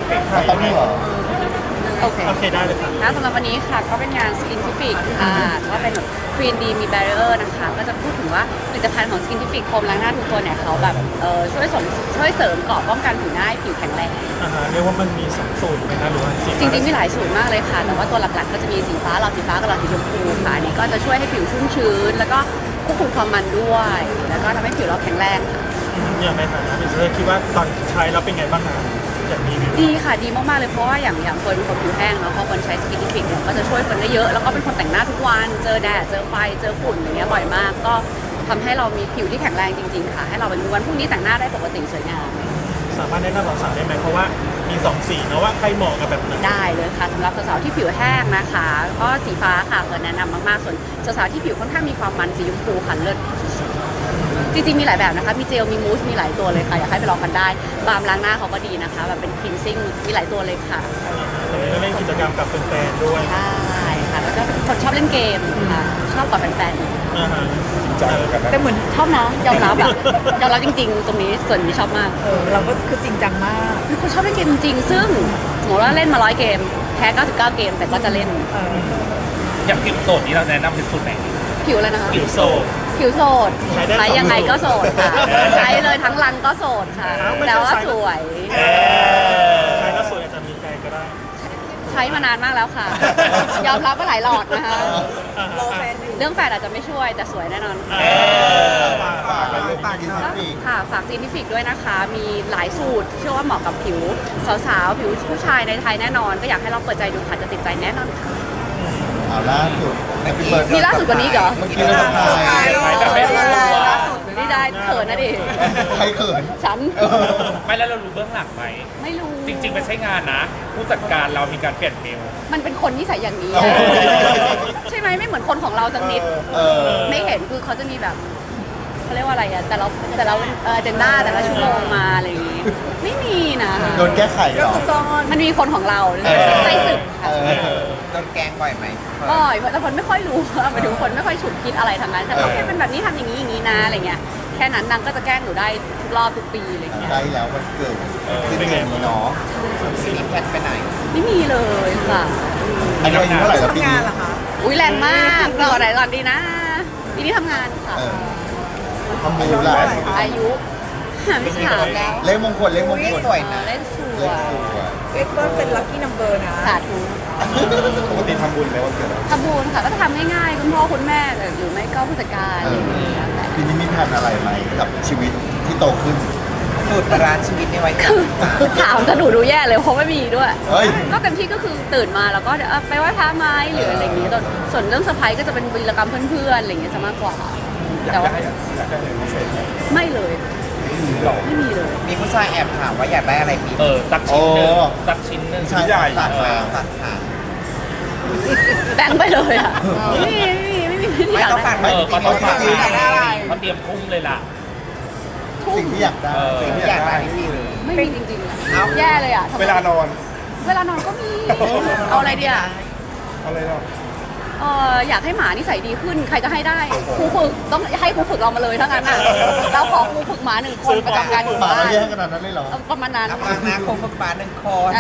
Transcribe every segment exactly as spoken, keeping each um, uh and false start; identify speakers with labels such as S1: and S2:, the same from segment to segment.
S1: ต้องมีเหรอ
S2: โอเค
S3: โอเคได้เลยครับ
S2: นะสำหรับวันนี้ค่ะก็เป็นงาน Skintific ค่ะก็เป็นแบบ Green D มี Barrier นะคะก็จะพูดถึงว่าผลิตภัณฑ์ของ Skintific โฟมล้างหน้าทุกตัวเนี่ยเขาแบบเออช่วยส่งช่วยเสริมเกราะป้องกันผิวหน้าให้ผิวแข็งแรง
S3: อ่าฮะเรียกว่ามันมีสองสูตรไหมคะหรือว่า
S2: จริงๆมีหลายสูตรมากเลยค่ะแต่ว่าตัวหลักๆก็จะมีสีฟ้าหลอดสีฟ้ากับหลอดสีชมพูค่ะอันนี้ก็จะช่วยให้ผิวชุ่มชื้นแล้วก็ควบคุมความมันด้วยแล้วก็ทำให้ผิวเราแข็งแรงค่ะ
S3: อย่างในฐานะเป็นเพื่อนคิดว่าตอนใช้แล้วเป็นไงบ้างคะอย่างนี้
S2: ดีค่ะดีมากๆเลยเพราะว่าอย่างอย่างคนเป็นคนผิวแห้งเนาะพอคนใช้สกินทิฟิกเนี่ยก็จะช่วยคนได้เยอะแล้วก็เป็นคนแต่งหน้าทุกวันเจอแดดเจอไฟเจอฝุ่นอย่างเงี้ยบ่อยมากก็ทำให้เรามีผิวที่แข็งแรงจริงๆค่ะให้เราเป็นวันพรุ่งนี้แต่งหน้าได้ปกติสวยงาม
S3: สามารถแนะนำสาวๆได้ไหมเพราะว่ามีสองสีนะว่าใครเหมาะกับแบบไหน
S2: ได้เลยค่ะสำหรับสาวๆที่ผิวแห้งนะคะก็สีฟ้าค่ะเปิดแนะนำมากๆส่วนสาวๆที่ผิวค่อนข้างมีความมันสีชมพูค่ะเลิศจริงๆมีหลายแบบนะคะมีเจลมีมูสมีหลายตัวเลยค่ะอยากให้ไปลองกันได้บาล์มล้างหน้าเขาก็ดีนะคะแบบเป็นคลีนซิ่งมีหลายตัวเลยค่ะ
S3: ตอนนี้ก็เล่นกิจกรรมกับแฟนๆด้วย
S2: ใช่ค่ะแล้วก็เป็นคนชอบเล่นเกมค่ะชอบกับแฟน
S3: ๆอ่าฮะ
S1: จริงจังกันนะ
S2: แต่เหมือนชอบนะยอมรับอะยอมรับจริงๆตรงนี้ส่วนนี้ชอบมาก
S4: เออเราก็คือจริงจังมาก
S2: เป็นคนชอบเล่นเกมจริงๆซึ่งสมมติว่าเล่นมาร้อยเกมแพ้เก้าสิบเก้าเกมแต่ก็จะเล่น
S5: อย่างผิวโสดนี้เราแนะนำเป็นสูตรไหน
S2: ผิวอะไรนะคะ
S3: ผิวโสด
S2: ผิวโสดใช้ยังไงก็โสดค่ะใช้เลยทั้งรังก็โสดค่ะแต่ว่าสวย
S3: ใช้แล้วสวยอาจจะมีใจก็ได้
S2: ใช้มานานมากแล้วค่ะยอมรับว่าหลายหลอดนะคะ
S4: รอแฟนอยู่
S2: เรื่องแฟนอาจจะไม่ช่วยแต่สวยแน่นอน
S1: ฝากไปเลยฝากดีสิ
S2: ค่ะฝากจีนิฟิกด้วยนะคะมีหลายสูตรเชื่อว่าเหมาะกับผิวสาวๆผิวผู้ชายในไทยแน่นอนก็อยากให้เราเปิดใจดูค่ะจะติดใจแน่นอนค่ะ
S1: อ่าล่าสุด
S2: มีล่าสุดกว่านี้เหรอ
S1: เมื่อกี้เราทำไง
S2: นี่ได้เขินนะดิ
S1: ใครเขิน
S2: ฉัน
S5: ไม่แล้วเรารู้เบื้องหลังไหม
S2: ไม่รู้
S5: จริงๆไม่ใช่งานนะผู้จัดการเรามีการเปลี่ยนเมล
S2: มันเป็นคนนิสัยอย่างนี้ใช่ไหมไม่เหมือนคนของเราสักนิดไม่เห็นคือเขาจะมีแบบเขาเรียกว่าอะไรอะแต่เราแต่เราเออเจนด้าแต่ละชั่วโมงมาอะไรอย่างงี้ไม่มีนะ
S1: โดนแก้ไขเหรอ
S2: มันมีคนของเราใจสึกค่ะ
S5: โดนแกงบ่อยไหม
S2: บ่อยแต่คนไม่ค่อยรู้หมายถึงคนไม่ค่อยฉุกคิดอะไรทางนั้นแต่เขาแค่เป็นแบบนี้ทำอย่างนี้อย่างนี้นะอะไรเงี้ยแค่นั้นนางก็จะแกล้งหนูได้ทุกรอบทุกปีอะไรเงี้ย
S1: ได้แล้ววันเกิดขึ้นเดือนนี้เนาะ
S5: มีแพทไปไหน
S2: ไม่มีเลยค่ะ
S1: อันนี้อายุเท่าไหร่แล้วปีนี้
S2: อุ้ยแรงมากรอไหนก่อนดีนะปีนี้ทำงานค่ะ
S1: ทำบุญแล้ว
S2: อายุหาไม่ถามแล้ว
S1: เลขมงคลเลขมงคล
S2: สวยนะเล่นสวย
S4: เอ็กซ์ก็เป็นลัคกี้นัมเบอร์นะ
S2: สาธุ
S1: ปกติทำบุญไหมวันเกิด
S2: ทำบุญค่ะก็จะทำง่ายๆคุณพ่อคุณแม่หรือไม่ก็ผู้จัดการ
S1: ปีนี้มีแผนอะไรไหมกับชีวิตที่โตขึ้น
S5: สูตรร้านชีวิตในวัย
S2: คือถามจะหนูดูแย่เลยเพราะไม่มีด้วยก็เต็มที่ก็คือตื่นมาแล้วก็ไปไหว้พระไม้หรืออะไรอย่างเงี้ยส่วนเรื่องเซอร์ไพรส์ก็จะเป็นวีรกรรมเพื่อนๆอะไรอย่างเงี้ยจะมากกว่าแต่ว่าไม่เลยไม่มีเลย
S5: มีผู้ชายแอบถามว่าอยากได้อะไรปีเออสักชิ้นหนึ่งสักชิ้นหนึ่ง
S1: ชิ้นใหญ่
S5: ตัดมาตัดขา
S2: แบงไปเลยอ่ะไม่มีไม่มีไม่มี
S5: ไม่ต้องฝากเออเขาต้องฝากเขาเตรียมพุ่งเลยล่ะ
S1: สิ่งที่อยากได้
S5: สิ่งที่อยากได้นี่เลย
S2: ไม่มีจริงๆเอาแย่เลยอ่ะ
S1: เวลานอน
S2: เวลานอนก็มีเอาอะไรดีอ่ะ
S1: เอาอะไรเนาะ
S2: เอออยากให้หมานิสัยดีขึ้นใครจะให้ได้ครูฝึกต้องให้ครูฝึกเรามาเลยถ้างั้นอ่ะเราขอครูฝึกหมาหนึ่งคนประจำการอยู่
S1: บ้านหมา
S2: แ
S1: ย่ขนาดนั้นเลยเหรอ
S2: ประมาณนั้น
S5: ประมาณนั้นคงฝึกหมาหนึ่งคน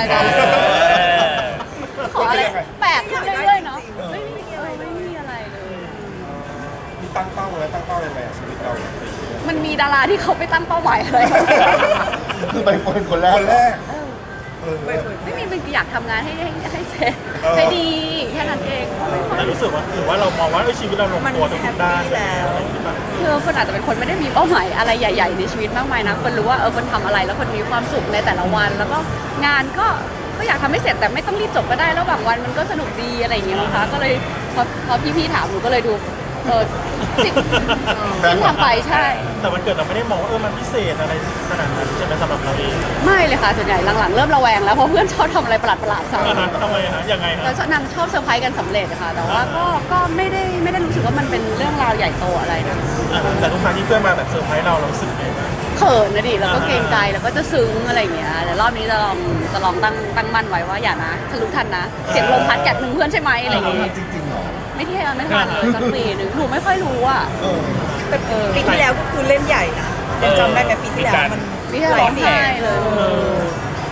S2: ขออะไรแปลกขึ้นเรื่อยๆเนาะไม่มีไม่มีอะไรเลย
S1: มีตั้งเป้าไว้ตั้งเป้ายังไงชีวิตเรา
S2: มันมีดาราที่เขาไปตั้งเป้าหมายอะไร
S1: คือไปคนคนแรกแรก
S2: ไม่มีมันอยากทำงานให้ให้ให้เสร็จให้ดีแค่นั้นเอง
S3: แต่รู้สึกว่าหรือว่าเรามองว่าชีวิตเราลงตัวทุกด้าน
S2: คือคนอาจจะเป็นคนไม่ได้มีเป้าหมายอะไรใหญ่ๆในชีวิตมากมายนะคนรู้ว่าเออคนทำอะไรแล้วคนมีความสุขในแต่ละวันแล้วก็งานก็ก็อยากทำให้เสร็จแต่ไม่ต้องรีบจบก็ได้แล้วบางวันมันก็สนุกดีอะไรอย่างเงี้ยนะคะก็เลยพอพอพี่ๆถามหนูก็เลยดูเออสิ่งที่ทำไปใช่
S3: แต่วันเกิดเราไม่ได้มองว่าเออมันพิเศษอะไรขนาดนั้นใช่ไหมสำหรับเราเอง
S2: ไม่เลยค่ะส่วนใหญ่หลังๆเริ่มระแวงแล้วเพราะเพื่อนชอบทำอะไรประหลาดๆใส่
S3: ทำไมฮะยังไงฮะ
S2: แล้วนางชอบเซอร์ไพรส์กันสำเร็จค่ะแต่ว่าก็ก็ไม่ได้ไม่ได้รู้สึกว่ามันเป็นเรื่องราวใหญ่โตอะไรนะ
S3: แต่ทุกครั้งที่เพื่อนมาแบบเซอร์ไพรส์เราเรารู้สึกไง
S2: เขินนะดิแล้วก็เกรงใจแล้วก็จะซึ้งอะไรอย่างเงี้ยแต่รอบนี้จะลองจะลองตั้งตั้งมั่นไว้ว่าอย่านะทะลุทันนะเสียงลมพัดแกะหนึ่งเพื่อนใช่ไหมอะไรอย่างเงี้ย
S1: จริงๆหรอ
S2: ไม่ที่ไม่ทันเลยสักปีหนึ่งหนูไม่ค่อยรู้อ่ะ
S4: ปีที่แล้วก็คือเล่นใหญ่นะยังจำได้ไหมปีที่แล้วมัน
S2: ปีที่แล้วร้องไห้เลย
S3: แ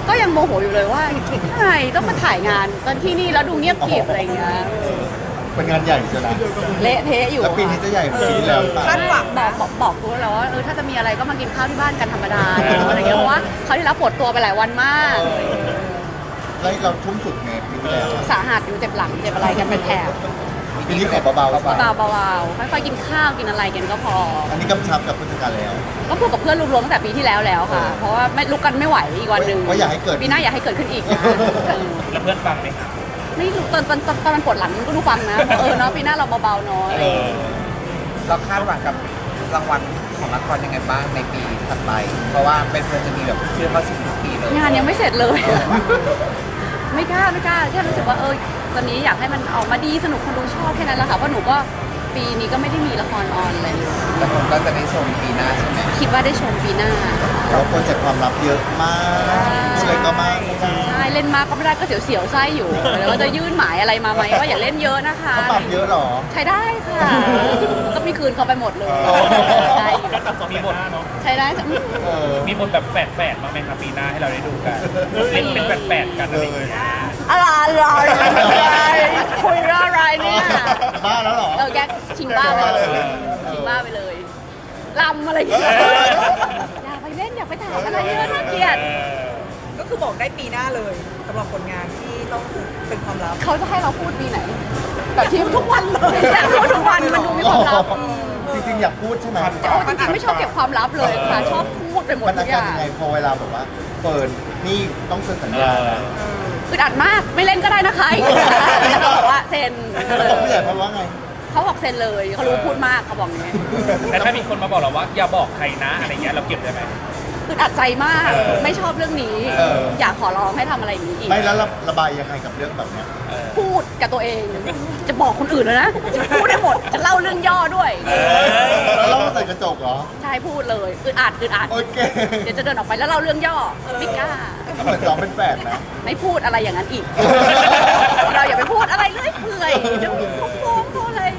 S2: ก็ยังโมโหอยู่เลยว่าทำไมต้องมาถ่ายงานตอนที่นี่แล้วดูเงียบกริบอะไรอย่างเงี้ย
S1: เป็นงานใหญ่ใช่ไหม
S2: เละเทะอยู่
S1: แล้วปีนี้จะใหญ่กว่าปีที่แล้วหรือเปล่า
S4: คาดหวัง
S2: บอ
S4: นะ
S2: กบอกบอกกูแล้วว่าเออถ้าจะมีอะไรก็มากินข้าวที่บ้านกันธรรมดาอะไรอย่างเงี้ยเพราะว่าเขาวที่แล้วปวดตัวไปหลายวันมาก
S1: แล้วเราทุ่มสุดไงปีที่แล้วอะ
S2: สาหัสอยู่เจ็บหลังเจ็บอะไรกันเป็นแถบ
S1: ปีนี้ขอเบาๆไป
S2: เบาๆเบาๆค่อยๆกินข้าวกินอะไรกันก็พอ
S1: อันนี้กำชับกับผู้จัดการแล้ว
S2: ก็พูดกับเพื่อนรวมๆตั้งแต่ปีที่แล้วแล้วค่ะ เพราะว่าไม่ลุกกันไม่ไหวอีกวันหนึ่ง
S1: ว่าอย่าให้เกิด
S2: ปีหน้าอย่าให้เกิดขึ้นอีกนะเออ
S5: แล้วเพื่อนฟังไหมครับ
S2: ไม่รู้ตอนตอนตอนตอนมันปวดหลังก็ดูฟังนะเออเนาะปีหน้าเราเบาๆเนาะอะไรอย่างเงี้ย
S5: เราคาดหวังกับรางวัลของละครยังไงบ้างในปีถัดไป เพราะว่าเป็นเพื่อนจะมีแบบชื่อเข้าชิงทุกปีเลย
S2: งานยังไม่เสร็จเลยอะไม่กล้าไม่กล้าแค่รู้สึกว่าเออตอนนี้อยากให้มันออกมาดีสนุกคนดูชอบแค่นั้นแหละค่ะเพราะหนูก็ปีนี้ก็ไม่ได้มีละครออนอะไรเลย
S5: แล้วผมก็จะได้ชมปีหน้าใช่ไหม
S2: คิดว่าได้ชมปีหน้า
S1: เราโปรเจกต์ความลับเยอะมากอะไรก็มาก
S2: ใช่เล่นมากก็ไม่ได้ก็เสียวๆไส้อยู่แล้วก็จะยื่นหมายอะไรมาไหมว่าอย่าเล่นเยอะนะคะ
S1: เขาปรับเยอะเหรอ
S2: ใช้ได้ค่ะ ก็มีคืนเขาไปหมดเลย
S1: อ๋อ
S2: ได้อยู่
S3: ก็ตัดสองมีบทเนาะ
S2: ใช้ได้จ้ะ
S1: เออ
S6: มีบทแบบแฝดๆบ้างไหมครับปีหน้าให้เราได้ดูกันเล่นเป็นแฝดๆกันอะไรอย่างเงี้ย
S2: อะไรอะไรคุยเรื่องอะไรเนี่ย
S1: บ้าแล้วเหรอ
S2: เออแกชิงบ้าไปเลยชิงบ้าไปเลยลำอะไรอย่างเงี้ยอย่าไปเล่นอย่าไปถามอะไรเยอะน่าเกลียด
S4: ก็คือบอกได้ปีหน้าเลยสำหรับผลงานที่ต้องเป็นความลับ
S2: เขาจะให้เราพูดปีไหนแบบที่ทุกวันเลยอยากพูดทุกวันมันดูมีความลับ
S1: จริงๆอยากพูดใช่ไหม
S2: โอ้จริงๆไม่ชอบเก็บความลับเลยค่ะชอบพูดไปหมด
S1: มัน
S2: ทุ
S1: อาก
S2: อ
S1: การ
S2: ย่าง
S1: ยังไงพอเวลาแบบว่าเปิดนี่ต้องเซ็นสัญญานะ
S2: อึดอัดมากไม่เล่นก็ได้นะคะแล้วก็บอกว่าเซ็น
S1: แล้วบอกผู้ใหญ่เพราะว่าไง
S2: เขาบอกเซ็นเลยเขารู้พูดมากเขาบอกอย่างนี้
S6: แต่ถ้ามีคนมาบอกเราว่าอย่าบอกใครนะอะไรเงี้ยเราเก็บได้ไหม
S2: อึดอัดใจมาก
S6: เออ
S2: ไม่ชอบเรื่องนี้
S1: เออ
S2: อยากขอร้องให้ทำอะไรอย่างนี้อีก
S1: ไม่แล้วระบายยังไงกับเรื่องแบบเนี้ย
S6: เออ
S2: พูดกับตัวเอง จะบอกคนอื่นเลยนะจะพูดได้หมดจะเล่าเรื่องย่อด้วย
S6: เออ
S1: แล้วเราใส่กระจกเหรอ
S2: ใช่พูดเลยอึดอัดอึดอัด
S1: โอเค
S2: เดี๋ยวจะเดินออกไปแล้วเล่าเรื่องย่อไม่กล้า
S1: เหมือนซ้อมเป็นแฝดนะ
S2: ไม่พูดอะไรอย่างนั้นอีก เราอย่าไปพูดอะไรเรื่อยเปื่อยเดี๋ยวเขาฟ้องเขาอะไร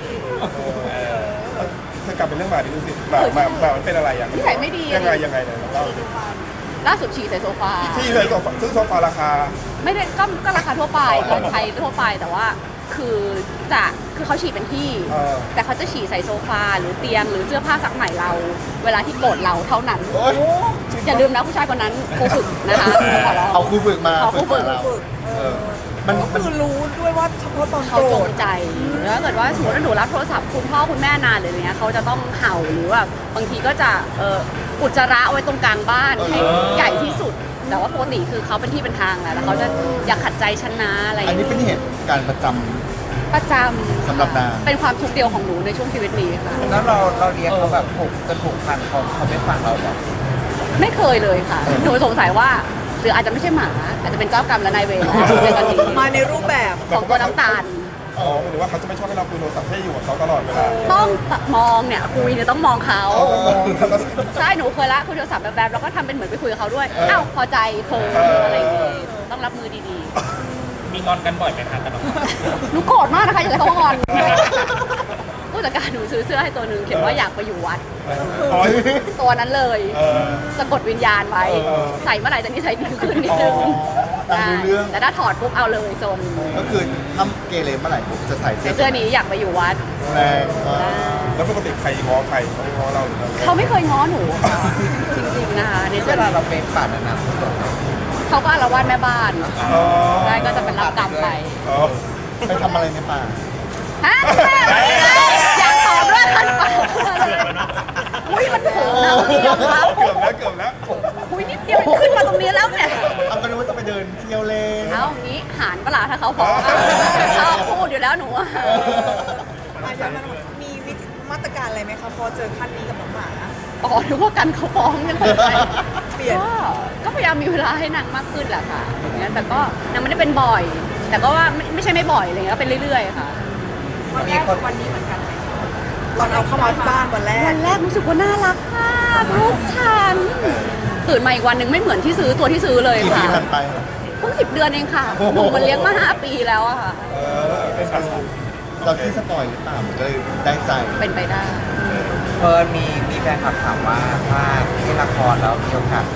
S7: จะกลับเป็นเรื่องหมาดิดูสิหมาหมาหมามันเป็นอะไรอย่าง
S2: นิสัยไม่ดี
S7: ยังไงยังไงเนี่ยเราเล่าดิ
S2: ล่าสุดฉี่ใส่โซฟา
S7: ที่เลยโซฟาซึ่งโซฟาราคา
S2: ไม่ได้ก็ก็ราคาทั่วไปเงินไทยทั่วไปแต่ว่าคือจะคือเขาฉี่เป็นที่
S7: เออ
S2: แต่เขาจะฉี่ใส่โซฟาหรือเตียงหรือเสื้อผ้าซักใหม่เรา เวลาที่โกรธเราเท่านั้น
S1: โอ๊ย
S2: อย่าลืมนะผู้ชายคนนั้นครูฝึกนะคะขอร้อง
S1: เอาครูฝึกมา
S2: เอาครูฝึก
S1: เราเออมัน
S4: ก็
S1: มัน
S4: คือรู้ด้วยว่าเฉพาะตอน
S2: เขา
S4: โกร
S2: จ
S4: ธ
S2: งใจแล้วถ้าเกิดว่าสมมติว่าหนูรับโทรศัพท์คุณพ่อคุณแม่นานหรืออะไรเงี้ยเขาจะต้องเห่าหรือแบบบางทีก็จะเอ่ออุจจาระไว้ตรงกลางบ้านให้ใหญ่ที่สุด แต่ว่าปกติคือเขาเป็นที่เป็นทางแหละแล้วเขาจะอยากขัดใจฉันนะอะไรอย่าง
S1: อันนี้
S2: เงี้ย
S1: เป็นเหตุการณ์ประจำ
S2: ประจำ
S1: สำหรับนาง
S2: เป็นความทุกข์เดียวของหนูในช่วงชีวิตนี้ค่ะ
S5: แล้วเราเราเรียกเขาแบบผูกจนผูกพันเขาเขาไม่ฟังเราหรอก
S2: ไม่เคยเลยค่ะ หนูสงสัยว่าหรืออาจจะไม่ใช่หมา อาจจะเป็นเจ้ากรรมและนายเวรในตอนนี้
S4: มาในรูปแบบ
S2: ของตัวน้ำตาล
S7: อ๋อหรือว่าเขาจะไม่ชอบให้เราคุยโทรศัพท์ให้อยู่กับเขาตลอดเวลา
S2: ต้องมองเนี่ยคุยเนี่ยต้องมองเขา
S7: อ๋อแล้วก็
S2: ใช่หนูเคยละคุยโทรศัพท์แบบๆแล้วก็ทำเป็นเหมือนไปคุยกับเขาด้วยอ้าวพอใจเคิร์อะไรอย่างงี้ต้องรับมือดี
S6: มีงอนกันบ่อยไหมคะกับน้อง
S2: ๆหนูโกรธมากนะคะอย่าให้เขางอนผู้จัดการหนูซื้อเสื้อให้ตัวหนึ่งเขียนว่าอยากไปอยู่วัด
S7: อ๋อ
S2: ตัวนั้นเลย
S7: เออ
S2: สะกดวิญญาณไว้
S7: เออ
S2: ใส่เมื่อไหร่จะนิสัยดีขึ้นนิดนึง
S1: อ๋อตามรู้เรื่อง
S2: แต่ถ้าถอดปุ๊บเอาเลยโซน
S1: ก็คือทำเกเรเมื่อไหร่ผมจะใส่
S2: ใส่
S1: เสื้อ
S2: เสื้อนี้อยากไปอยู่วัด
S1: แรงมาก
S7: แล้วปกติใครง้อใครเขาไม่ง้อเราหรือเรา
S2: เขาไม่เคยง้อหนูค่ะจริงๆนะคะใน
S5: เว
S2: เสื้อ
S5: ลาเราเป็นป่านนั้น
S2: เขาก็อาละวาดแม่บ้าน
S7: อ๋อ
S2: ได้ก็จะเป็นรับกรรมไป
S7: อ๋อ
S1: ไปทำอะไรในป่า
S2: ฮะอยากตอบด้วยคันปากอุ้ยมันถึงนะคุณยอมรับ
S7: เกือบแล้วเกือบแล้ว
S2: อุ้ยนิดเดียวขึ้นมาตรงนี้แล้วเนี่ย
S1: เอาก็นึกว่าจะไปเดินเที่ยวเล่น
S2: เอางี้หารปะล่ะถ้าเขาฟ้องอะเขาพูดอยู่แล้วหนูอะ
S4: อาจารย์มันมีวิธีมาตรการอะไรไหมคะพอเจอขั้นนี้กับน้องหมา
S2: อ๋อนึกว่ากันเขาฟ้องยังไง
S4: เปลี่ยน
S2: ก็ก็พยายามมีเวลาให้นางมากขึ้นแหละค่ะอย่างเงี้ยแต่ก็นางไม่ได้เป็นบ่อย แต่ก็ว่าไม่ไม่ใช่ไม่บ่อยอะไรเงี้ยก็เป็นเรื่อยๆค่ะ
S4: วันแรกวันนี้เหมือนกันตอนเอาเข้ามาที่บ้านวันแรก
S2: วันแรกรู้สึกว่าน่ารักมากลูกฉันตื่นมาอีกวันหนึ่งไม่เหมือนที่ซื้อตัวที่ซื้อเลย
S1: กี่ปี
S2: ค่ะ
S1: ผ่านไป
S2: เพิ่งสิบเดือนเองค่ะหนูมันเลี้ยงมาห้าปีแล้วอะค่ะ
S7: เออเป็นการ
S1: เราที่สปอยหรือเปล่ามันก็เลยได้ใจ
S2: เป็นไปได้
S5: เฟิร์นมีมีแฟนคลับถามว่าถ้าที่ละครแล้วมีโอกาส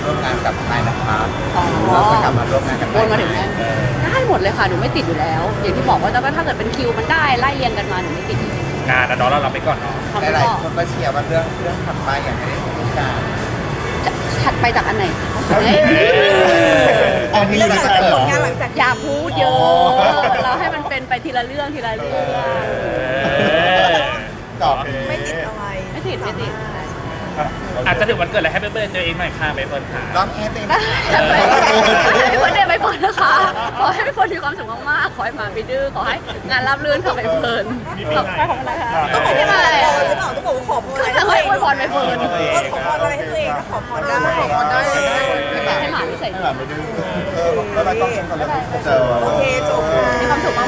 S5: ร่วมงานกับนายนภัส
S2: อ๋อ
S5: เราจะกลับมาร่วมงานกับ
S2: วนมาถึงนั้นได้หมดเลยค่ะหนูไม่ติดอยู่แล้ว อย่างที่บอกว่าแต่ก็ถ้าเกิดเป็นคิวมันได้ไล่เรียงกันมาหนูไม่ติด
S6: งานนะเนาะเราเราไปก่อนเนาะ
S2: ทำ
S5: หลาย
S2: ก็
S5: ๆคนก็เชียร์ว่าเรื่องเรื่องถัดไปอย่างไม่ได้พูดกัน
S2: จะถัดไปจากอันไหนคะ
S1: อันนี้
S4: เรื่อง
S1: ไม่
S4: หลัง
S1: ใช่
S4: จาก
S1: เหร
S4: ผ
S1: อ
S4: ลงานหลังจาก
S2: อย่าพูดเย
S1: อ๋
S2: อะ
S1: อ
S2: เราให้มันเป็นไปทีละเรื่องทีละเรื่อง
S1: ตอบ
S4: ไม่ติดอะไร
S2: ไม่ติดไม่ติด
S6: อาจจะถึงวันเกิดอะไรให้เพื่อนๆตัวเองหน่อยค่ะไปเฟิร์นค่ะ
S5: ร้องแอร์เต็ม
S2: ไม่ควรเดไปเฟิร์นนะคะ ขอให้ไปเฟิร์นมีความสุขมากๆ ขอให้หมาไปดื้อ ขอให้งานราบรื่นขอไปเฟิร์นขอไปของอะไรคะ
S4: ต้องบอก
S2: ไม่
S4: ว่า
S2: ได้
S4: ข
S2: มา
S4: อ
S2: อะไร
S4: พรหรือเปล่าต้องบอกว่าขอพร
S2: ก็
S4: อะไร
S2: จะ
S4: ให้
S2: ให้
S4: ตัวเอง
S2: อวยพรไปเฟิร์น
S4: เออขอพรอะไรให้ตัวเองก็ขอพรได้
S1: ได้
S2: ให้หมาไม่ใส่
S1: ให้หมาไม่ดื้อ
S7: เออแล้วเราต้องชมกันแล้ว
S1: เจอ
S4: โอเคจบค่ะ
S2: มีความสุขมาก